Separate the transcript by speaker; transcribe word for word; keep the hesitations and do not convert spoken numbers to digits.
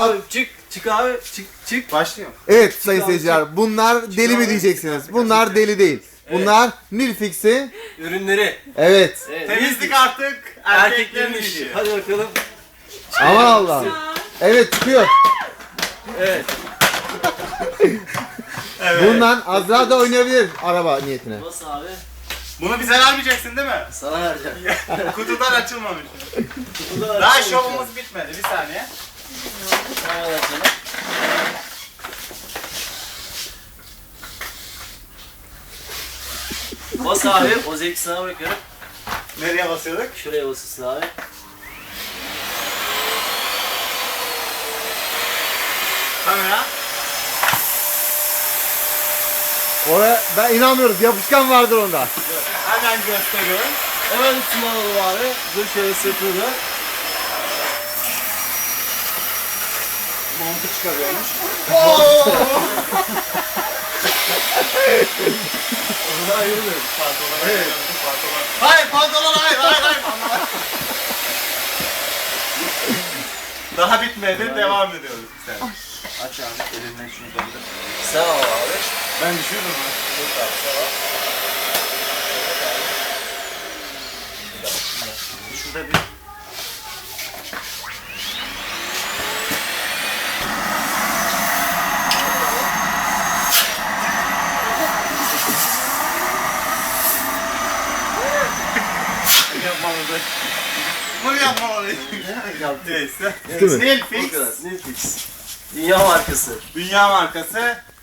Speaker 1: Abi çık çık abi çık çık.
Speaker 2: Başlıyor.
Speaker 3: Evet sayın
Speaker 1: abi,
Speaker 3: seyirciler, bunlar deli mi
Speaker 1: abi.
Speaker 3: diyeceksiniz? Bunlar deli değil. Bunlar Nilfix'i.
Speaker 1: Ürünleri.
Speaker 3: Evet.
Speaker 1: Evet,
Speaker 2: Temizlik
Speaker 1: Nilfix.
Speaker 2: artık erkeklerin işi.
Speaker 1: Hadi bakalım.
Speaker 3: Aman Allah'ım. Evet çıkıyor.
Speaker 1: Evet.
Speaker 2: Evet.
Speaker 3: Bundan Azra da oynayabilir araba niyetine.
Speaker 1: Nasıl abi?
Speaker 2: Bunu bize vermeyeceksin değil mi?
Speaker 1: Sana vereceğim.
Speaker 2: Kutudan açılmamış.
Speaker 1: Kutuda
Speaker 2: Daha
Speaker 1: açılmış
Speaker 2: şovumuz bitmedi. Bir saniye.
Speaker 1: ya. Sana vereceğim. Bas abi, o zevki sana bırakıyorum.
Speaker 2: Nereye basıyorduk?
Speaker 1: Şuraya basılsın abi.
Speaker 2: Kamera.
Speaker 3: Oraya ben inanmıyorum. Yapışkan vardır onda.
Speaker 2: Hemen gösteriyorum.
Speaker 1: Hemen üstüne alalım abi. Dur şöyle sırtını.
Speaker 2: Montu çıkarıyormuş.
Speaker 1: Ona ayrılmıyor.
Speaker 2: Pantolon. Evet. Pantolon. Hayır pantolon hayır hayır hayır. Daha bitmedi. Devam ediyoruz bir saniye. Aç abi. Elinden şunu döndür.
Speaker 1: Sağ ol abi.
Speaker 2: Ben düşürdüm ha.
Speaker 1: Dur abi, sağ ol.
Speaker 2: Şurada bir... Yapmamalı. Bunu yapmamalıyız.
Speaker 1: Yaptım.
Speaker 2: Neyse.
Speaker 3: Değil mi?
Speaker 2: Nilfix.
Speaker 1: Bu kadar. Nilfix. Dünya markası.
Speaker 2: Dünya markası.